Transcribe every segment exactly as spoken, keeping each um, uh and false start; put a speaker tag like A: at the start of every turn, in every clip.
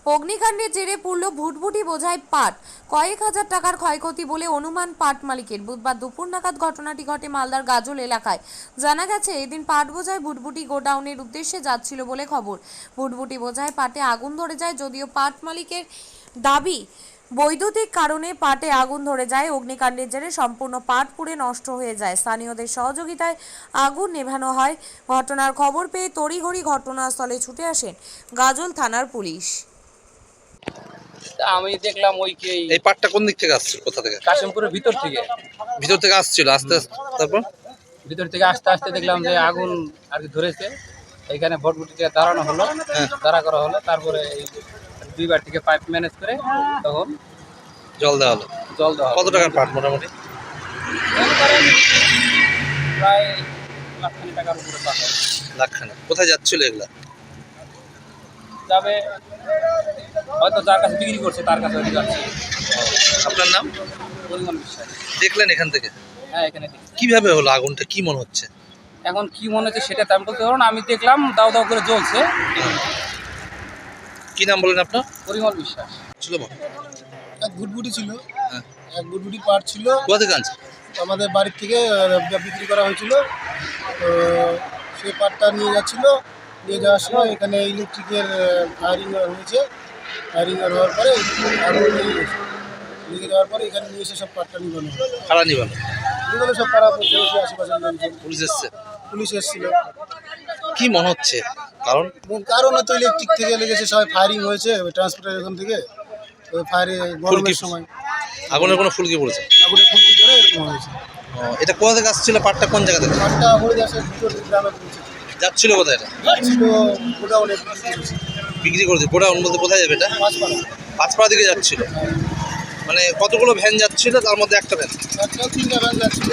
A: অগ্নিকাণ্ডের জেরে পুড়ল ভুটভুটি বোঝাই পাট, কয়েক হাজার টাকার ক্ষয়ক্ষতি বলে অনুমান পাট মালিকের। বুধবার দুপুর নাগাদ ঘটনাটি ঘটে মালদার গাজল এলাকায়। জানা গেছে, এদিন পাট বোঝাই ভুটভুটি গোডাউনের উদ্দেশ্যে যাচ্ছিল বলে খবর। ভুটভুটি বোঝাই পাটে আগুন ধরে যায়, যদিও পাট মালিকের দাবি বৈদ্যুতিক কারণে পাটে আগুন ধরে যায়। অগ্নিকাণ্ডের জেরে সম্পূর্ণ পাট পুড়ে নষ্ট হয়ে যায়। স্থানীয়দের সহযোগিতায় আগুন নেভানো হয়। ঘটনার খবর পেয়ে তড়িঘড়ি ঘটনাস্থলে ছুটে আসেন গাজল থানার পুলিশ।
B: আমি দেখলাম ওই কি
C: এই পাটটা কোন দিক থেকে আসছে, কোথা থেকে?
B: কাশিমপুরের ভিতর থেকে
C: ভিতর থেকে আসছিল আস্তে আস্তে, তারপর
B: ভিতর থেকে আস্তে আস্তে দেখলাম যে আগুন আর কি ধরেছে। এইখানে ভটভটিতে দাঁড়ানো হলো, দাঁড়া করা হলো। তারপরে এই দুইবার থেকে পাইপ ম্যানেজ করে তখন
C: জল দেওয়া হলো।
B: জল দেওয়া হলো।
C: কত টাকার পাট মোটামুটি?
B: মনে করেন প্রায় লাখখানি টাকার উপরে পাট হবে।
C: লাখখানা। কোথায় যাচ্ছিল এগুলা?
B: যাবে হয়তো যার কাছে বিক্রি করছে তার কাছে হয়তো যাচ্ছে।
C: আপনার নাম?
B: পরিমাণ বিশ্বাস।
C: দেখলেন এখান থেকে?
B: হ্যাঁ, এখানে দেখি।
C: কিভাবে হলো আগুনটা, কি মনে হচ্ছে?
B: এখন কি মনে হচ্ছে সেটা তেমন বলতে পারবো না। আমি দেখলাম দাও দাও করে জ্বলছে।
C: কি নাম বলেন আপনার?
B: পরিমল বিশ্বাস।
C: ছিল বল।
D: এক ভুটভুটি ছিল,
C: হ্যাঁ।
D: এক ভুটভুটি পাট ছিল,
C: কোথা থেকে আনছে?
D: আমাদের বাড়ির থেকে আহ, বিক্রি করা হয়েছিল। তো সেই পাটটা নিয়ে যাচ্ছিল, নিয়ে যাওয়ার সময় এখানে ইলেকট্রিকের ফায়ারিং হয়েছে। ফায়ারিং হওয়ার পরে আগুন লেগে গেছে। লেগে যাওয়ার পরে এখানে নিয়ে এসে সব পাটটা নিবানো হলো।
C: খাড়া নিবানো।
D: নিবানো সব পাড়া প্রতিবেশী আশেপাশের লোকজন,
C: পুলিশ এসছে?
D: পুলিশ এসেছিল।
C: কি মনে হচ্ছে কারণ?
D: কারণ তো ইলেকট্রিক থেকে লেগেছে, সবাই ফায়ারিং হয়েছে ট্রান্সপোর্টের এখান থেকে। ওই ফায়ারে গরমের সময়
C: আগুনের কোনো ফুলকি পড়েছে?
D: আগুনের ফুলকি করে এরকম হয়েছে।
C: ও, এটা কোথা থেকে আসছিল পাটটা, কোন জায়গা থেকে
D: পাটটা হরিদাসের ভিতর গ্রামে পৌঁছে
C: যাচ্ছিল? কোথায় এটা
D: ছিল গোডাউনে বিক্রি করেছে।
C: বিক্রি করেছে? গোডাউন বলতে কোথায় যাবে এটা?
D: পাঁচপাড়া।
C: পাঁচপাড়া দিকে যাচ্ছিল। মানে কতগুলো ভ্যান যাচ্ছিল, তার মধ্যে একটা ভ্যান?
D: একটা তিনটা ভ্যান যাচ্ছিল।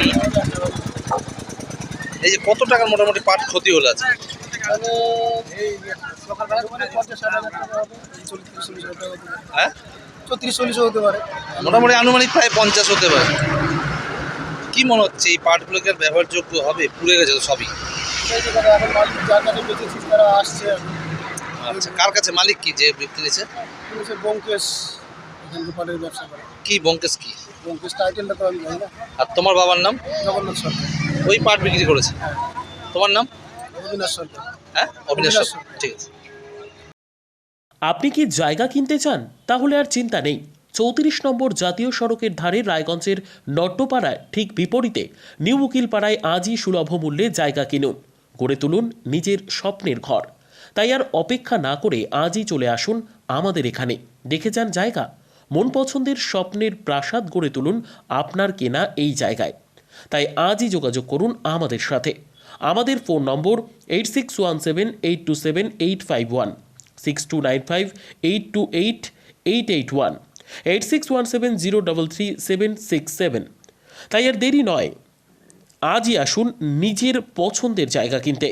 C: এই যে কত টাকার মোটামুটি পাট ক্ষতি হলো আছে?
D: মানে এই সকালবেলা মানে পঞ্চাশ ষাট হাজার টাকা হবে, চল্লিশ চল্লিশ হাজার টাকা হতে পারে,
C: হ্যাঁ,
D: চৌত্রিশ চল্লিশও হতে পারে।
C: মোটামুটি আনুমানিক প্রায় পঞ্চাশ হতে পারে। কি মনে হচ্ছে এই পাটগুলোকে আর ব্যবহারযোগ্য হবে? পুড়ে গেছে তো সবই।
D: সেই জায়গায় এখন মালিক যার কাছে বেঁচেছি তারা আসছে।
C: আচ্ছা, কার কাছে? মালিক কি যে বিক্রি দিয়েছে?
D: পুলিশের ব্যোমকেশ এখানে পাটের ব্যবসা করে।
C: কি বঙ্কেশ কি?
D: ব্যোমকেশ টাইটেলটা তো আমি জানি না।
C: আর তোমার বাবার নাম?
D: জগন্নাথ সরকার।
C: ওই পাট বিক্রি করেছে। তোমার নাম?
D: অবিনাশ সরকার।
C: হ্যাঁ, অবিনাশ
D: অবিনাশ
C: সরকার। ঠিক আছে।
E: আপনি কি জায়গা কিনতে চান? তাহলে আর চিন্তা নেই। চৌত্রিশ নম্বর জাতীয় সড়কের ধারে রায়গঞ্জের নট্টপাড়ায় ঠিক বিপরীতে নিউ উকিলপাড়ায় আজই সুলভ মূল্যে জায়গা কিনুন, গড়ে তুলুন নিজের স্বপ্নের ঘর। তাই আর অপেক্ষা না করে আজই চলে আসুন আমাদের এখানে, দেখে যান জায়গা। মন পছন্দের স্বপ্নের প্রাসাদ গড়ে তুলুন আপনার কেনা এই জায়গায়। তাই আজই যোগাযোগ করুন আমাদের সাথে। আমাদের phone number eight six one seven eight two seven eight five one, six two nine five eight two eight eight eight one, eight six one seven zero double three seven six seven. তাই আর দেরি নয়, আজই আসুন নিজের পছন্দের জায়গা কিনতে।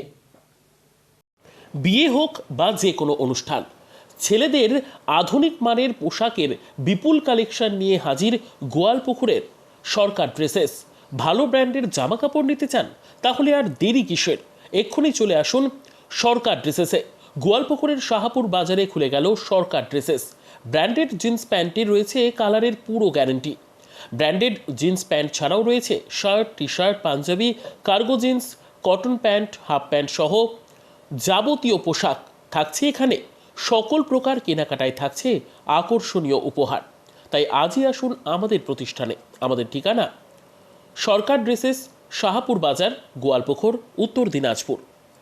E: বিয়ে হোক বা যে কোনো অনুষ্ঠান, ছেলেদের আধুনিক মানের পোশাকের বিপুল কালেকশন নিয়ে হাজির গোয়ালপুকুরের সরকার ড্রেসেস। ভালো ব্র্যান্ডের জামা কাপড় নিতে চান? তাহলে আর দেরি কিসের? এক্ষুনি চলে আসুন সরকার ড্রেসেসে। গোয়ালপুকুরের শাহাপুর বাজারে খুলে গেল সরকার ড্রেসেস। ব্র্যান্ডেড জিন্স প্যান্টে রয়েছে কালারের পুরো গ্যারেন্টি। ব্র্যান্ডেড জিন্স প্যান্ট ছাড়াও রয়েছে shirt, T shirt, Panjabi, cargo jeans, cotton pant, half pant সহ যাবতীয় পোশাক থাকছে এখানে। সকল প্রকার কেনাকাটায় থাকছে আকর্ষণীয় উপহার। তাই আজই আসুন আমাদের প্রতিষ্ঠানে। আমাদের ঠিকানা সরকার ড্রেসেস, শাহাপুর বাজার, গোয়ালপুকুর, উত্তর দিনাজপুর।